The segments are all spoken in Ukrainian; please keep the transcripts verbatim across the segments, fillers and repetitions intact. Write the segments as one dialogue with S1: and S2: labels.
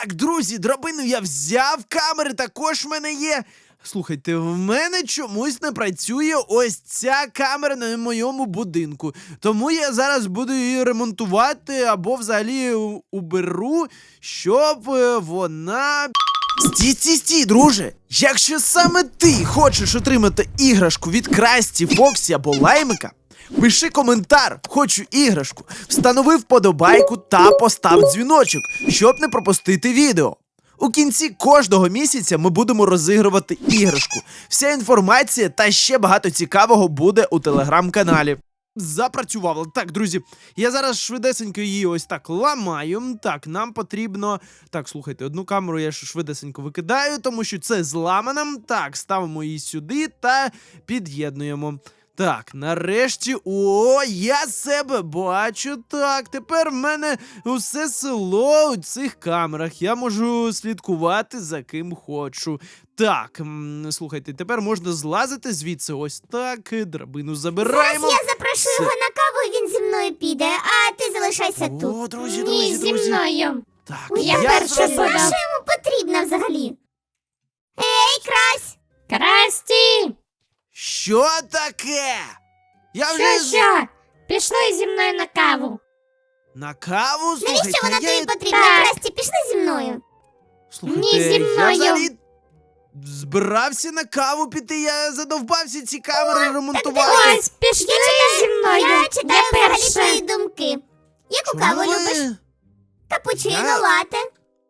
S1: Так, друзі, драбину я взяв, камери також в мене є. Слухайте, в мене чомусь не працює ось ця камера на моєму будинку. Тому я зараз буду її ремонтувати або взагалі у- уберу, щоб е, вона. Стій, стій, стій, друже! Якщо саме ти хочеш отримати іграшку від Красті, Фоксі або Лаймика, пиши коментар, хочу іграшку, встанови вподобайку та постав дзвіночок, щоб не пропустити відео. У кінці кожного місяця ми будемо розігрувати іграшку. Вся інформація та ще багато цікавого буде у телеграм-каналі. Запрацювало. Так, друзі, я зараз швидесенько її ось так ламаю. Так, нам потрібно... Так, слухайте, одну камеру я ж швидесенько викидаю, тому що це зламана. Так, ставимо її сюди та під'єднуємо. Так, нарешті, о, я себе бачу. Так, тепер в мене усе село у цих камерах. Я можу слідкувати за ким хочу. Так, м, слухайте, тепер можна злазити звідси. Ось так, драбину забираємо.
S2: Зараз я запрошу
S1: Все.
S2: його на каву, і він зі мною піде, а ти залишайся
S1: О,
S2: тут.
S1: друзі,
S3: Ні,
S1: друзі,
S3: зі
S1: друзі.
S3: мною.
S1: Так,
S3: Я
S1: я
S3: перша
S1: зрозумів.
S3: буду.
S2: А що йому потрібно взагалі? Ей, Крась!
S3: Красті!
S1: Що таке? Я
S3: Що,
S1: вже з-
S3: що? Пішли зі мною на каву.
S1: на каву, слухайте.
S2: Навіщо вона
S1: я...
S2: тобі потрібна?
S3: Так.
S2: Красті, пішли зі мною.
S1: Слухайте,
S3: Ні, зі
S1: я
S3: мною.
S1: взагалі збирався на каву піти, я задовбався ці камери ремонтувати.
S3: Ось, пішли
S2: Я
S3: зі мною.
S2: Я читаю взагалі
S3: перша.
S2: твої думки. Яку
S1: Чому
S2: каву
S1: ви-
S2: любиш? Капучино,
S1: Я-
S2: лате.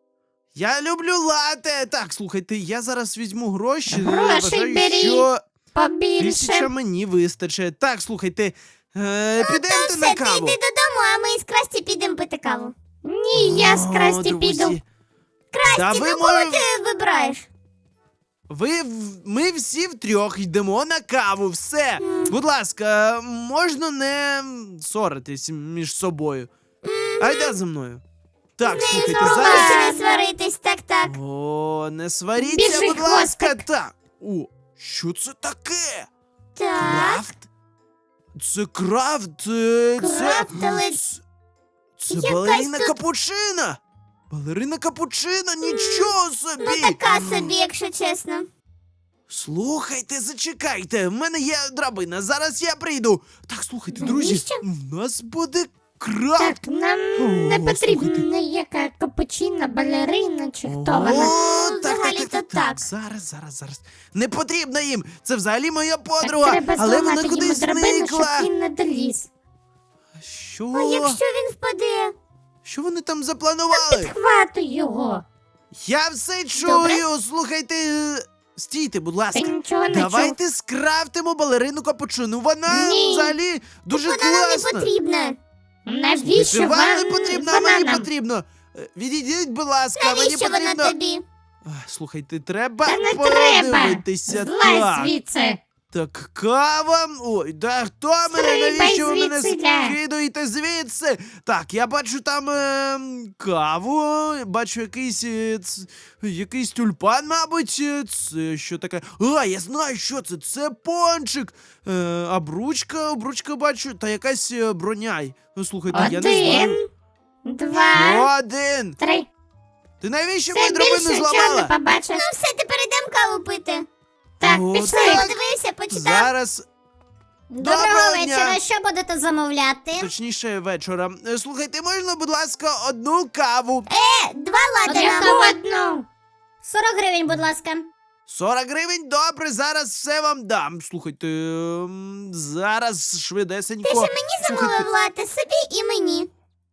S1: Я люблю лате. Так, слухайте, я зараз візьму гроші.
S3: Гроші
S1: вважаю,
S3: бери.
S1: що тисяча
S3: Побільше.
S1: мені вистачить. Так, слухайте, е,
S2: Ну, то
S1: підемте
S2: все,
S1: на
S2: ти
S1: каву.
S2: йди додому, а ми з Красті підемо пити каву.
S3: Ні, я з
S1: О,
S3: Красті
S1: друзі.
S3: піду.
S1: Та
S2: Красті,
S1: ви,
S2: ну кого
S1: мо-
S2: ти вибираєш?
S1: ви, в- ми всі втрьох йдемо на каву, все. Будь ласка, можна не ссоритись між собою. Айда за мною. Так, слухайте, зараз...
S2: Спробуйте не сваритись, так-так.
S1: О, не сваріться,
S3: Біжи,
S1: будь ласка,
S3: хвостик.
S1: так. О, що це таке?
S2: Так.
S1: Крафт? Це крафт, це...
S2: Крафт,
S1: це...
S2: але-
S1: Це, це
S2: Якась
S1: балерина
S2: тут-
S1: капучина! Балерина капучина, нічого собі!
S2: Ну така собі, якщо чесно.
S1: Слухайте, зачекайте, в мене є драбина, зараз я прийду. Так, слухайте, друзі,
S2: Навіщо?
S1: в нас буде крафт.
S3: Так, нам
S1: О,
S3: не потрібна
S1: слухайте.
S3: яка капучина, балерина чи хто
S1: О,
S3: вона.
S1: так, так,
S2: взагалі-то
S1: так, так,
S2: так.
S1: Зараз, зараз, зараз. Не потрібно їм. Це взагалі моя подруга,
S3: Так треба
S1: але вона
S3: зламати йому
S1: кудись
S3: драбину, щоб
S1: зникла.
S3: він не доліз.
S1: Що?
S2: А якщо він впаде?
S1: Що вони там запланували?
S3: Підхватуй його.
S1: Я все
S2: Добре.
S1: чую. Слухайте, е, стійте, будь
S3: Ти
S1: ласка.
S3: нічого не чув.
S1: Давайте скрафтимо балерину капучину. Вона
S3: Ні.
S1: взагалі дуже
S2: Вона нам не
S1: класна.
S2: потрібна.
S3: Навіщо
S1: Вам
S3: вам
S1: не потрібно, а
S3: вона
S1: мені
S3: нам?
S1: потрібно. Е, Відійдіть, будь ласка, мені
S2: Навіщо вона
S1: потрібно.
S2: тобі?
S1: Ах, Слухайте, треба
S3: Та не треба.
S1: подивитися.
S3: Злазь
S1: Так.
S3: звідси.
S1: Так, кава. Ой, да хто мене?
S3: Стрибай
S1: Навіщо ви мене
S3: звідсиля.
S1: скидуєте звідси? Так, я бачу там е, каву, бачу якийсь е, ц, якийсь тюльпан, мабуть. е, Це що таке? А, я знаю, що це. Це пончик. Е, а бручка, бручка бачу, та якась е, броня. Ну, слухайте, я не знаю.
S3: Один, два,
S1: Один.
S3: три.
S1: Ти навіщо
S3: Все
S1: мою драбину
S3: більше нічого не
S1: зламала?
S3: побачиш.
S2: Ну все, тепер йдемо каву пити.
S3: Так,
S1: О,
S3: пішли.
S1: так.
S2: Подивився, почитав.
S1: Зараз,
S2: Доброго
S1: Доброго дня.
S2: вечора, що будете замовляти?
S1: точніше, вечора. Е, Слухайте, можна, будь ласка, одну каву?
S2: Е, два лати нам.
S3: Яку одну?
S2: сорок гривень, будь ласка.
S1: сорок гривень, добре, зараз все вам дам. Слухайте, ем, зараз швидесенько.
S2: Ти ж мені замовив лати, собі і мені.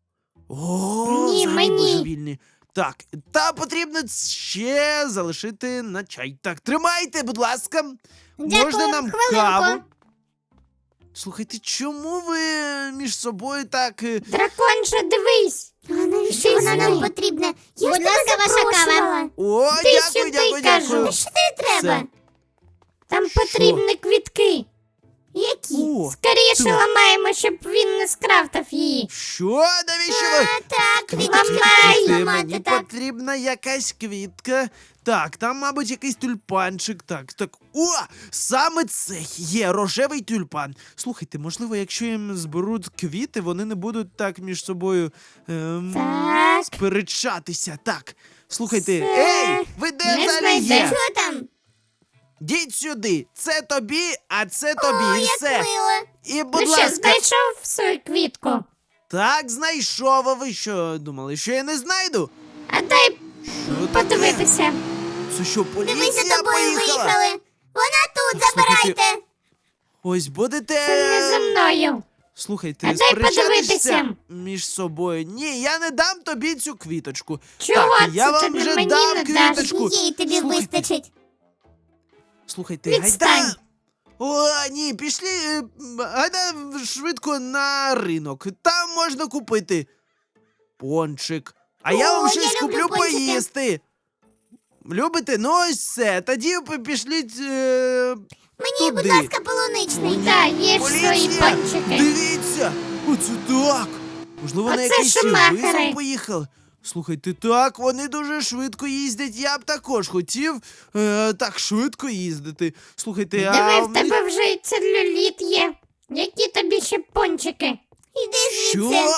S1: О,
S3: Ні,
S1: взагалі
S3: мені.
S1: божевільні. Так, та потрібно ще залишити на чай. Так, тримайте, будь ласка.
S2: Дякую,
S1: Можна нам
S2: хвилинку.
S1: каву? Слухайте, чому ви між собою так... е,
S3: Дракон же, дивись.
S2: А навіщо
S3: Ти
S2: вона нам
S3: сюди.
S2: потрібна? Я
S4: Будь
S2: ж тебе
S4: ласка, ваша кава.
S2: запрошувала.
S1: О,
S3: Ти
S1: дякую,
S3: сюди,
S1: дякую,
S3: кажу.
S1: дякую.
S2: Та що тобі треба?
S3: Там
S1: Що?
S3: потрібні квітки.
S2: Які?
S1: О,
S3: Скоріше
S1: так.
S3: ламаємо, щоб він не скрафтав її.
S1: Що? Навіщо ви?
S2: А, так,
S1: Квіточки,
S3: ламай.
S1: слухайте,
S2: ламати,
S1: мені
S2: так.
S1: потрібна якась квітка. Так, там, мабуть, якийсь тюльпанчик. Так, так. О! Саме це є рожевий тюльпан. Слухайте, можливо, якщо їм зберуть квіти, вони не будуть так між собою ем,
S3: Так.
S1: сперечатися. Так. Слухайте,
S3: Це
S1: ей! Ви де
S3: не
S1: взагалі
S3: знайдеш.
S1: є?
S2: Що там?
S1: Діть сюди. Це тобі, а це тобі.
S2: О,
S1: і
S2: як
S1: все.
S2: мило.
S1: І, будь
S3: Ну що,
S1: ласка.
S3: знайшов свою квітку?
S1: Так, знайшов. А ви що думали, що я не знайду?
S3: А дай
S1: Що таке?
S3: подивитися.
S1: Це що,
S2: Дивись,
S1: поліція
S2: за тобою
S1: поїхала?
S2: виїхали. Вона тут,
S1: Слухайте,
S2: забирайте.
S1: Ось будете.
S3: Це не за мною.
S1: Слухайте,
S3: А дай
S1: сперечатися
S3: подивитися.
S1: між собою. Ні, я не дам тобі цю квіточку.
S3: Чого
S1: так, я
S3: це
S1: вам
S3: ти
S1: вже
S3: мені
S1: дав
S3: не даш?
S1: квіточку.
S2: Їй тобі
S1: Слухайте,
S2: вистачить.
S1: Слухайте,
S3: Відстань.
S1: гайда. О, ні, пішли, е, гайда швидко на ринок. Там можна купити пончик. А я
S2: О,
S1: вам
S2: я
S1: щось
S2: люблю
S1: куплю
S2: пончики.
S1: поїсти. Любите? Ну ось все. Тоді ви пішліть. Е...
S2: Мені, будь
S1: туди.
S2: ласка, полуничний.
S3: Так, є ж свої
S1: Поліція!
S3: панчики.
S1: Дивіться! Оце так! Можливо, на
S3: Оце
S1: якийсь
S3: шумахери.
S1: визов поїхали. Слухайте, так, вони дуже швидко їздять. Я б також хотів е, так швидко їздити. Слухайте, а
S3: Диви, в
S1: мені-
S3: тебе вже і целюліт є. Які тобі ще пончики?
S2: Іди
S1: Що?
S2: звідси.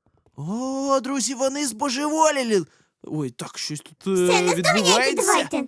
S1: О, друзі, вони збожеволіли. Ой, так, щось тут е,
S2: Все, не здоганяйте,
S1: відбувається.
S2: давайте.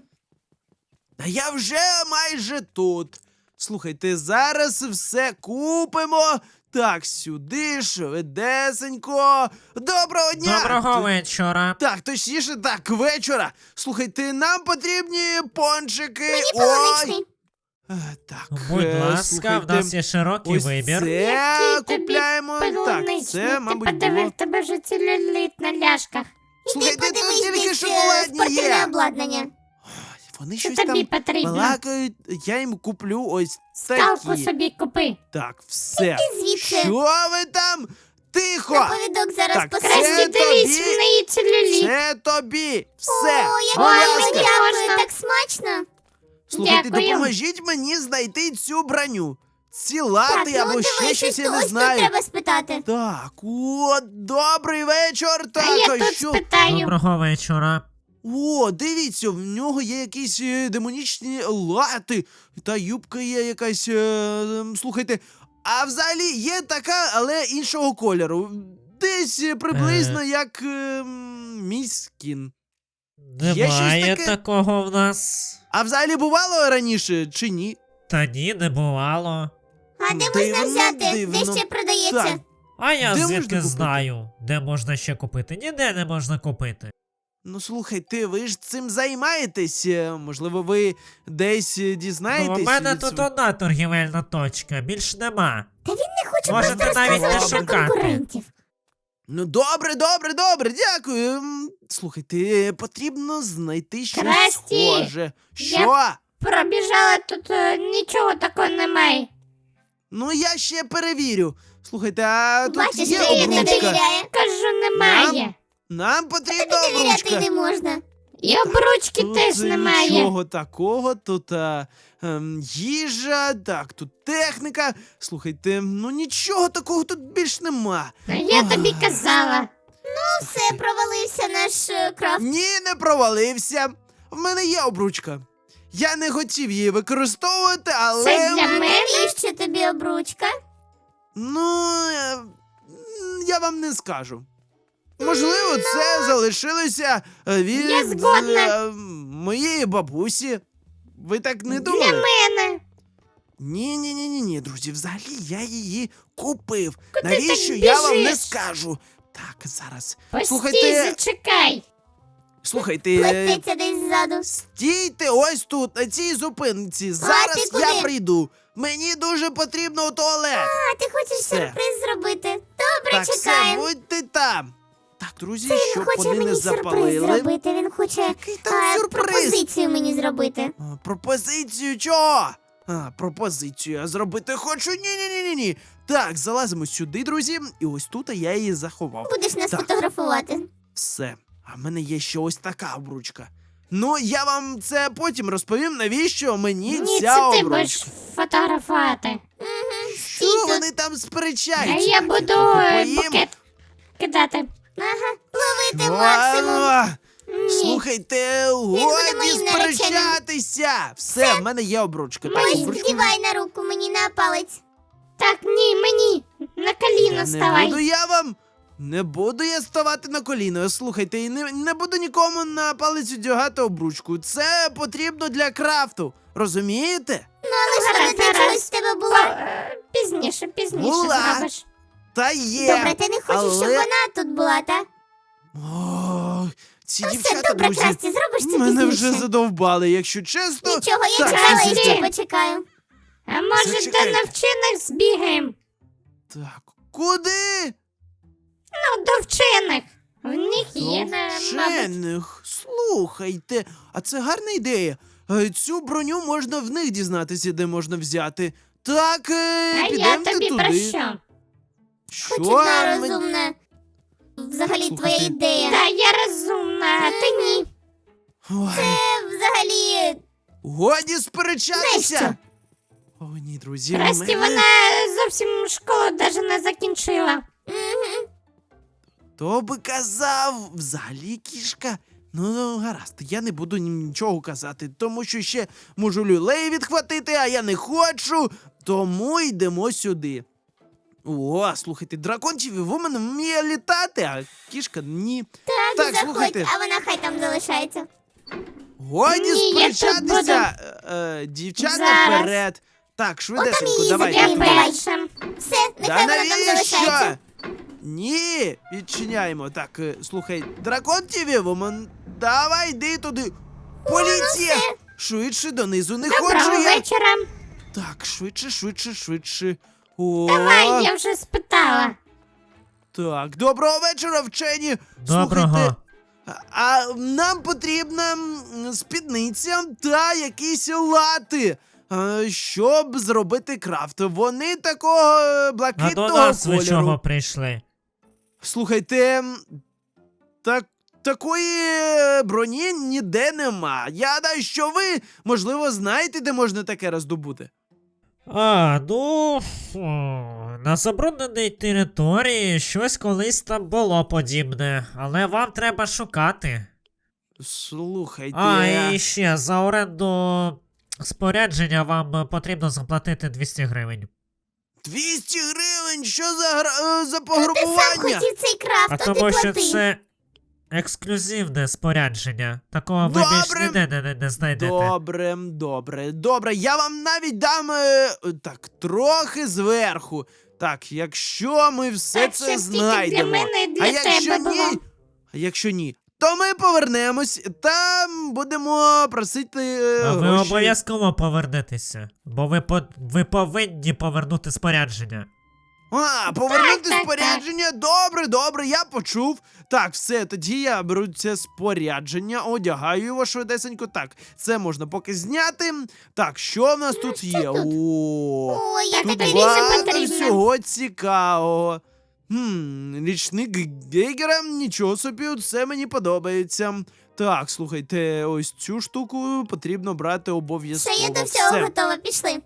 S1: Та я вже майже тут. Слухайте, зараз все купимо. Так, сюди, швидесенько. Доброго дня!
S4: Доброго
S1: Т-
S4: вечора.
S1: Так, точніше, так, вечора. Слухайте, нам потрібні пончики.
S2: Мені
S1: Ой.
S2: полуничний.
S1: Е, Так,
S4: Будь
S1: е,
S4: ласка, в
S1: слухайте,
S4: нас є широкий
S1: ось
S4: вибір.
S1: це
S3: Який тобі
S1: купляємо. Так,
S3: полуничний?
S1: це, мабуть,
S3: Ти подиви,
S1: було.
S3: в тебе вже целюліт на ляшках.
S1: Слухайте, тут
S2: Подивись,
S1: тільки
S2: десь е,
S1: шоколадні
S2: спортивне
S1: є.
S2: обладнання.
S1: Вони
S3: Що
S1: щось
S3: тобі
S1: там
S3: потрібно?
S1: балакають, я їм куплю ось
S3: Скалку
S1: такі.
S3: собі купи.
S1: Так, все.
S2: Іди звідси.
S1: Що ви там? Тихо!
S2: Наповідок зараз
S1: Так,
S2: покажу.
S1: це
S3: Красті, дивись,
S1: тобі.
S3: в неї целюліт.
S1: Це тобі. Все.
S2: О, як
S1: Будь
S3: Ой,
S2: гарно,
S1: ласка.
S3: мені
S2: дякую,
S3: можна.
S2: так смачно.
S1: Слухайте,
S3: Дякую.
S1: допоможіть мені знайти цю броню. Ці
S2: Так,
S1: лати
S2: ну
S1: або ще
S2: дивись,
S1: щось, я
S2: ось
S1: не
S2: тут
S1: знаю.
S2: треба спитати.
S1: Так, о, добрий вечір. Так,
S3: А я
S1: а
S3: тут
S1: що?
S3: спитаю.
S4: Доброго вечора.
S1: О, дивіться, в нього є якісь е, демонічні лати. Та юбка є якась. Е, ем, слухайте, а взагалі є така, але іншого кольору. Десь е, приблизно як е, м, мій скін. Є щось
S4: Немає
S1: таке?
S4: такого в нас.
S1: А взагалі бувало раніше чи ні?
S4: Та ні, не бувало.
S2: А де
S1: Дивно,
S2: можна взяти?
S1: дивно.
S2: Де ще продається?
S1: Так.
S4: А я
S1: Де
S4: звідки
S1: можна купити?
S4: знаю, де можна ще купити? Ніде не можна купити.
S1: Ну слухайте, ви ж цим займаєтесь. е, Можливо, ви десь е,
S4: Ну,
S1: дізнаєтесь.
S4: у мене
S1: від
S4: тут
S1: св-
S4: одна торгівельна точка, більш нема.
S2: Та він не хоче
S4: Можете
S2: просто
S4: навіть
S1: не
S2: розказувати про
S4: шукати.
S2: конкурентів.
S1: Ну, добре, добре, добре, дякую. М, Слухайте, потрібно знайти щось
S3: Красті,
S1: схоже. Що?
S3: Пробіжала тут, е, нічого такого немає.
S1: Ну я ще перевірю. Слухайте, а тут
S2: Бачиш,
S1: є
S2: Лілі не
S1: обручка.
S2: довіряє.
S3: Кажу, немає.
S1: Нам потрібна
S2: Тобі довіряти
S1: обручка.
S2: не можна.
S3: І обручки
S1: Тут
S3: теж
S1: е,
S3: немає.
S1: нічого такого, тут а, ем, їжа, так, тут техніка. Слухайте, ну нічого такого тут більш нема.
S3: Ну, я тобі казала.
S2: Ну все, провалився наш е, крафт.
S1: Ні, не провалився. В мене є обручка. Я не хотів її використовувати, але.
S3: Це для мене.
S2: Навіщо тобі обручка?
S1: Ну, е, м, я вам не скажу. Можливо, це залишилося е, від
S3: Я згодна.
S1: е, моєї бабусі. Ви так не
S3: Для
S1: думали?
S3: мене.
S1: Ні, ні, ні, ні, ні, друзі, взагалі я її купив.
S3: Куди
S1: Навіщо
S3: так
S1: я вам не
S3: біжиш?
S1: скажу? Так, зараз.
S3: Постій,
S1: Слухайте,
S3: зачекай.
S1: слухайте, е,
S2: Плететься десь ззаду.
S1: стійте ось тут, на цій зупинці. Зараз
S2: ти
S1: я
S2: куди?
S1: прийду. Мені дуже потрібно у туалет.
S2: А, ти хочеш
S1: Все.
S2: сюрприз зробити? Добре,
S1: Так, все,
S2: чекаємо.
S1: будьте там. Так, друзі,
S2: Він
S1: щоб
S2: хоче
S1: вони не
S2: мені сюрприз
S1: запалили.
S2: зробити. Він хоче
S1: Який там
S2: а,
S1: сюрприз?
S2: пропозицію мені зробити.
S1: А, пропозицію чого? А, пропозицію я зробити хочу. Ні-ні-ні-ні. Так, залазимо сюди, друзі. І ось тут я її заховав.
S2: Будеш нас
S1: Так.
S2: фотографувати.
S1: Все. А в мене є ще ось така обручка. Ну, я вам це потім розповім, навіщо мені
S3: Ні,
S1: ця
S3: це ти
S1: обручка.
S3: будеш фотографувати.
S1: вони там
S3: А
S1: сперечаються.
S3: я буду е,
S1: Поїм.
S3: букет кидати.
S2: Ага, ловити
S1: Що?
S2: максимум.
S3: Ні.
S1: Слухайте,
S2: буде
S1: годі
S2: моїм нареченим.
S1: сперечатися. Все, в мене є обручка. Так,
S2: Ось,
S1: обручку
S2: вдівай на руку мені на палець.
S3: Так, ні, мені. На коліно
S1: Я не
S3: ставай.
S1: буду я вам. Не буду я ставати на коліно. Слухайте, і не, не буду нікому на палець одягати обручку. Це потрібно для крафту. Розумієте?
S2: Ну, але ж вона
S3: Гаразд,
S2: для
S3: гаразд.
S2: чогось в тебе була.
S3: Е, Пізніше, пізніше
S1: Була.
S3: зробиш.
S1: Та є.
S2: Добре, ти не хочеш, щоб
S1: але...
S2: вона тут була, та?
S1: О, ці
S2: Ну все,
S1: дівчата,
S2: добре,
S1: друзі,
S2: Красті, зробиш це
S1: мене
S2: пізніше.
S1: вже задовбали, якщо чесно.
S2: Нічого, я
S1: Так,
S2: чекала і
S1: слухайте.
S2: ще почекаю.
S3: А може до
S1: Зачекайте.
S3: навчених збігаємо?
S1: Так, куди?
S3: Ну, до вчених. В них є,
S1: До
S3: на- мабуть.
S1: вчених. Слухайте, а це гарна ідея. Е, Цю броню можна в них дізнатися, де можна взяти. Так, е,
S3: А я
S1: підемте
S3: тобі
S1: туди.
S3: про що?
S1: Що?
S2: Хоч одна
S1: Мен-
S2: розумна. Взагалі
S1: Слухайте.
S2: твоя ідея.
S3: Та я розумна, а ти ні.
S1: Ой,
S2: Це взагалі.
S1: годі сперечатися.
S2: Знаєш
S1: О, ні, друзі,
S3: Расті,
S1: мене...
S3: вона зовсім школу навіть не закінчила.
S2: Мгм.
S1: Хто би казав, взагалі кішка. Ну, ну, гаразд, я не буду ні- нічого казати, тому що ще можу люлей відхватити, а я не хочу, тому йдемо сюди. О, слухайте, дракончеві вумен вміє літати, а кішка ні.
S2: Так,
S1: Так,
S2: заходь,
S1: слухайте.
S2: а вона хай там залишається.
S1: Годі
S3: Ні, я тут
S1: сперечатися. Е, е, дівчата
S3: Зараз.
S1: вперед. Так, швидесенько,
S2: її
S1: давайте.
S3: Я
S2: заберемо. давай.
S3: перша.
S2: Все,
S1: Да
S2: нехай вона там
S1: навіщо?
S2: залишається.
S1: Ні, відчиняємо. Так, е, слухай, дракон Тіві, вуман, давай йди туди. Поліція!
S2: все.
S1: Швидше донизу не хочу
S3: Доброго
S1: я.
S3: вечора.
S1: Так, швидше, швидше, швидше. О,
S3: Давай, я вже спитала.
S1: так, доброго вечора, вчені.
S4: Доброго.
S1: Слухайте, а, а нам потрібна м, спідниця та якісь лати, а, щоб зробити крафт. Вони такого е,
S4: А
S1: блакитного
S4: до нас ви
S1: кольору.
S4: чого прийшли?
S1: Слухайте, м, так, такої е, броні ніде нема. Я гадаю, що ви, можливо, знаєте, де можна таке роздобути.
S4: А, ну. фу, на забрудненій території щось колись там було подібне, але вам треба шукати.
S1: Слухайте.
S4: А, і ще за оренду спорядження вам потрібно заплатити двісті гривень.
S1: двісті гривень, що за, гра- е, за
S2: Ти сам
S1: пограбування?
S2: хотів цей крафт,
S4: А
S2: а ти
S4: тому що
S2: плати.
S4: це ексклюзивне спорядження. Такого ви
S1: Добре.
S4: більш ніде не, не, не знайдете.
S1: Добре, добре, добре. Я вам навіть дам е, так трохи зверху. Так, якщо ми все
S3: Так,
S1: це
S3: щоб тільки
S1: знайдемо.
S3: для мене і для
S1: а якщо
S3: тебе
S1: ні,
S3: було.
S1: а якщо ні, то ми повернемось та будемо просити е,
S4: А ви
S1: гроші.
S4: обов'язково повернетеся, бо ви, по, ви повинні повернути спорядження.
S1: А, повернути
S3: Так, так,
S1: спорядження. Добре, добре, я почув. Так, все, тоді я беру це спорядження, одягаю його швидесенько. Так, це можна поки зняти. Так, що в нас тут є?
S2: тут?
S1: О,
S2: Ой, я
S1: тут
S3: тобі
S2: така
S3: більше
S1: багато
S3: потрібно.
S1: всього цікавого. Хм, річник Гейгера, нічого собі, це мені подобається. Так, слухайте, ось цю штуку потрібно брати
S2: Все,
S1: обов'язково.
S2: я до всього
S1: Все.
S2: готова, пішли.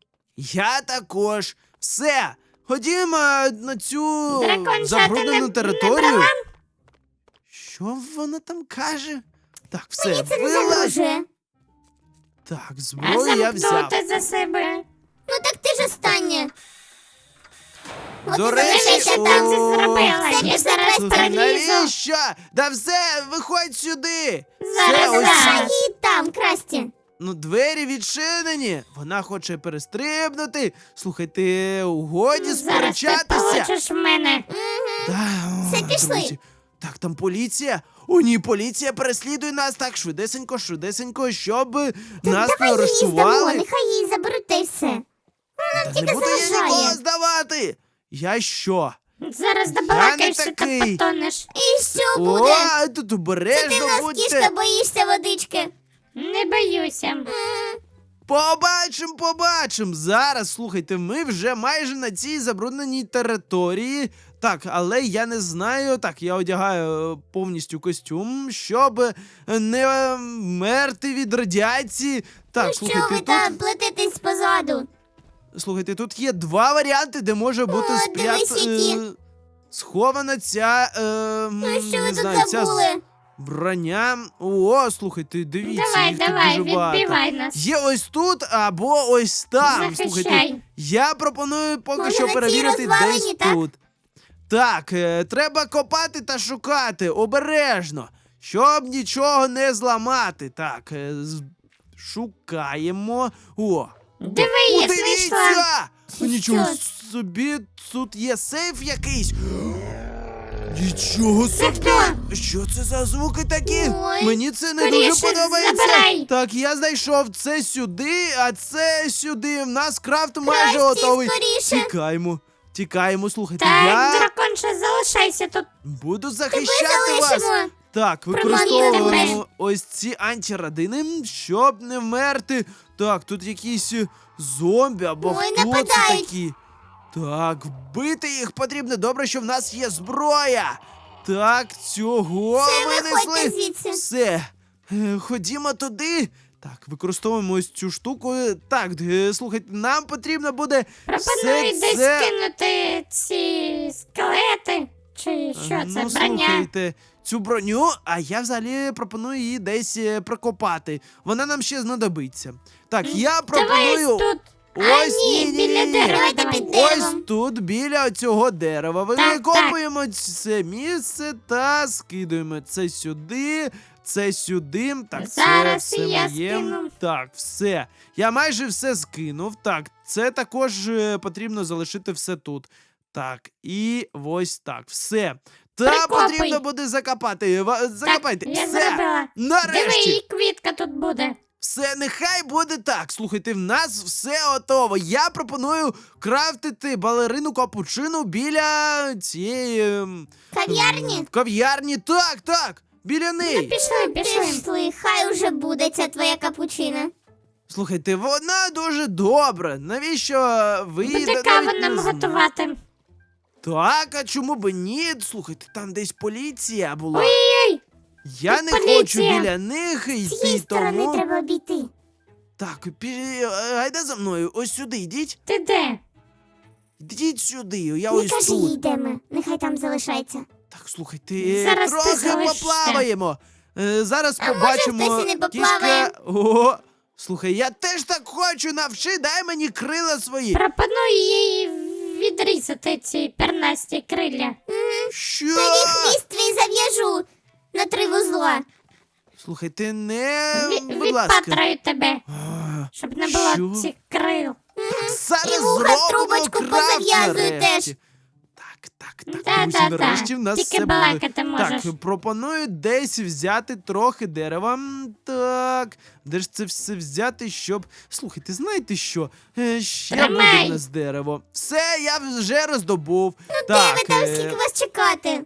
S1: Я також. Все. Ходімо на цю
S3: Дракончата
S1: забруднену
S3: не- не
S1: територію.
S3: брала?
S1: Що вона там каже? Так, все,
S2: Мені це не
S1: вилазь.
S2: загрожує.
S1: Так,
S3: А
S1: зброю я взяв.
S3: замкнути за себе.
S2: Ну так ти ж остання. От
S1: До
S2: і
S1: речі,
S2: залишайся
S1: о,
S2: там.
S3: це зробила.
S2: Все,
S3: Я
S2: пішли,
S3: зараз
S2: Красті.
S1: Слухай,
S3: перелізу.
S1: навіщо? Да все, виходь сюди.
S3: Зараз,
S1: Все, ось
S3: зараз.
S2: Залишай її там, Красті.
S1: Ну, двері відчинені. Вона хоче перестрибнути. Слухайте, угоді
S3: Зараз ти
S1: сперечатися.
S3: получиш в мене.
S1: Да,
S2: Все,
S1: о,
S2: пішли.
S1: друзі. Так, там поліція. О, ні, поліція переслідує нас так швидесенько, швидесенько, щоб нас не
S2: Давай її здамо,
S1: арештували.
S2: нехай її заберуть та й все.
S1: Та
S2: тільки
S1: не буду я
S2: заважає.
S1: нікого здавати. Я що?
S3: Зараз
S1: не
S3: добалакаєшся та
S1: такий.
S3: потонеш.
S2: І що
S1: О,
S2: буде?
S1: тут
S2: Ти
S1: обережно
S2: нас,
S1: будьте.
S2: кішка, боїшся водички.
S3: Не боюся.
S1: Побачим, побачим. Зараз, слухайте, ми вже майже на цій забрудненій території. Так, але я не знаю. Так, я одягаю е, повністю костюм, щоб е, не е, мерти від радіації. Так,
S2: Ну
S1: слухайте,
S2: що ви
S1: тут
S2: там плетитесь позаду?
S1: Слухайте, тут є два варіанти, де може бути
S2: О,
S1: спрят...
S2: дивись, які.
S1: е, схована ця. Е,
S2: Ну
S1: м,
S2: що
S1: не
S2: ви тут
S1: знаю, ця
S2: забули?
S1: з- броня. О, слухайте, дивіться,
S3: Давай,
S1: їх тут
S3: давай,
S1: дуже багато.
S3: відбивай нас.
S1: Є ось тут або ось там. Слухайте,
S3: Захищай.
S1: я пропоную поки
S2: Може,
S1: що
S2: на цій
S1: перевірити
S2: розвалині,
S1: десь
S2: так?
S1: тут. Так, е, треба копати та шукати обережно, щоб нічого не зламати. Так, е, з- шукаємо. О,
S3: Диви,
S1: о,
S3: я знайшла.
S1: дивіться!
S2: Це
S1: Нічого
S2: що?
S1: собі, тут є сейф якийсь. Нічого
S3: Це
S1: собі!
S3: хто?
S1: Що це за звуки такі?
S2: Ой,
S1: Мені це не
S3: скоріше
S1: дуже подобається.
S3: забирай.
S1: Так, я знайшов це сюди, а це сюди. В нас крафт майже
S2: Красті,
S1: готовий.
S2: скоріше.
S1: Тікаємо. Тікаємо, слухайте,
S3: Так,
S1: я
S3: драконша, залишайся тут.
S1: буду
S2: Ми
S1: захищати вас.
S2: залишимо.
S1: Так,
S3: Приманюйте
S1: використовуємо
S3: мене.
S1: ось ці антирадини, щоб не вмерти. Так, тут якісь е, зомбі або
S2: Ой,
S1: хто це
S2: нападають.
S1: такі. Так, вбити їх потрібно. Добре, що в нас є зброя. Так, цього
S2: Виходьте
S1: винесли.
S2: звідси.
S1: Все. Е, Ходімо туди. Так, використовуємо ось цю штуку. Так, е, слухайте, нам потрібно буде
S3: Пропоную
S1: все
S3: десь
S1: це...
S3: кинути ці скелети. Чи що це,
S1: Ну,
S3: броня?
S1: слухайте, цю броню, а я взагалі пропоную її десь е, прокопати. Вона нам ще знадобиться. Так, я
S3: Давай
S1: пропоную
S3: тут.
S1: ось
S3: а, ні,
S1: ні, ні,
S3: біля
S1: ні, ні.
S3: дерева
S2: Давайте
S3: давай.
S2: під деревом.
S1: Ось тут, біля цього дерева.
S3: Так,
S1: Викопуємо це місце та скидуємо це сюди, це сюди. Так,
S3: Зараз
S1: це
S3: і
S1: все
S3: я
S1: моє.
S3: скину.
S1: Так, все. Я майже все скинув. Так, це також е, потрібно залишити все тут. Так, і ось так. Все. Та
S3: Прикопуй.
S1: потрібно буде закопати. Ва- Закопайте.
S3: Так, я
S1: все.
S3: зробила. Диви,
S1: Нарешті.
S3: і квітка тут буде.
S1: Все, нехай буде так. Слухайте, в нас все готово. Я пропоную крафтити балерину капучину біля цієї ем,
S2: Кав'ярні?
S1: м, кав'ярні. Так, так. Біля
S3: Ну,
S1: неї.
S3: пішли, пішли.
S2: Пішли, хай уже буде ця твоя капучина.
S1: Слухайте, вона дуже добра. Навіщо ви
S3: Буде
S1: навіть
S3: каву
S1: не
S3: нам
S1: зна-
S3: готувати.
S1: Так, а чому б ні? Слухайте, там десь поліція була.
S3: Ой-ой,
S1: Я
S3: тут
S1: не
S3: поліція.
S1: хочу біля них
S2: З цієї
S1: йти,
S2: сторони
S1: тому.
S2: треба обійти.
S1: Так, пі... гайда за мною. Ось сюди йдіть.
S3: ти де?
S1: Йдіть сюди. Я
S2: Не
S1: ось
S2: кажи
S1: тут.
S2: їй, йдемо. Нехай там залишається.
S1: Так, слухайте, е,
S3: Зараз ти
S1: трохи
S3: залишишся.
S1: поплаваємо. Е, зараз
S2: А може,
S1: побачимо.
S2: хтось і не поплаває?
S1: кішка. О, слухай, я теж так хочу, навчи, дай мені крила свої.
S3: Пропоную їй відрізати ці пернасті крилля.
S1: Що?
S2: Тобі хвіст твій зав'яжу на три вузла.
S1: Слухай, ти не.
S3: Ві-
S1: Будь ласка.
S3: Відпатраю тебе,
S1: А,
S3: щоб не було
S1: Що?
S3: цих крил.
S1: Зараз
S2: І вуха в
S1: зробимо
S2: трубочку
S1: крафт
S2: позав'язую
S1: нарешті.
S2: теж.
S1: Так, так, так,
S3: Да,
S1: друзі,
S3: да, да.
S1: нарешті в нас
S3: Тільки
S1: все буде.
S3: балакати можеш.
S1: Так, пропоную десь взяти трохи дерева. М, Так, де ж це все взяти, щоб. Слухайте, знаєте що? Е, Ще
S3: Тримай.
S1: буде в нас дерево. Все, я вже роздобув.
S2: Де
S1: так,
S2: ви там,
S1: е,
S2: скільки вас чекати?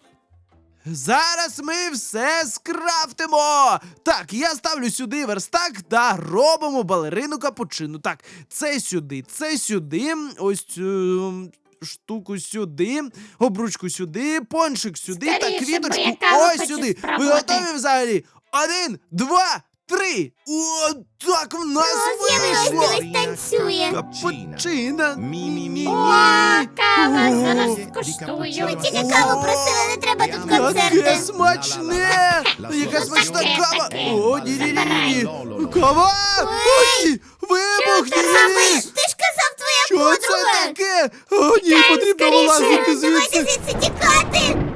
S1: зараз ми все скрафтимо. Так, я ставлю сюди верстак та робимо балерину капучину. Так, це сюди, це сюди. Ось цю штуку сюди, обручку сюди, пончик сюди та
S3: Скоріше, бо
S1: квіточку
S3: я каву
S1: ось
S3: хочу
S1: сюди. Ви
S3: спробувати.
S1: готові взагалі? Один, два, три. О, так в нас
S2: О, з'явилась,
S1: вийшло.
S2: дивись, танцює.
S1: Капучина.
S5: Мі-мі-мі.
S3: О, кава,
S1: О,
S3: зараз
S5: Ді
S3: скуштую.
S5: капучино.
S2: Тільки каву просили, не треба тут
S1: Яке
S2: концерти.
S1: смачне! Яка смачна
S3: Таке,
S1: кава!
S3: таке.
S1: О, ні ні ні ні
S5: Забирай.
S1: Кава! Ой! Вибух!
S3: Що ти
S1: Ні-ні-ні!
S2: Ти ж казав, твоя
S1: Що це
S2: подруга.
S1: таке? О, ні, потрібно
S3: скоріше.
S1: вилазити
S2: Давайте
S1: звідси!
S2: звідси тікати.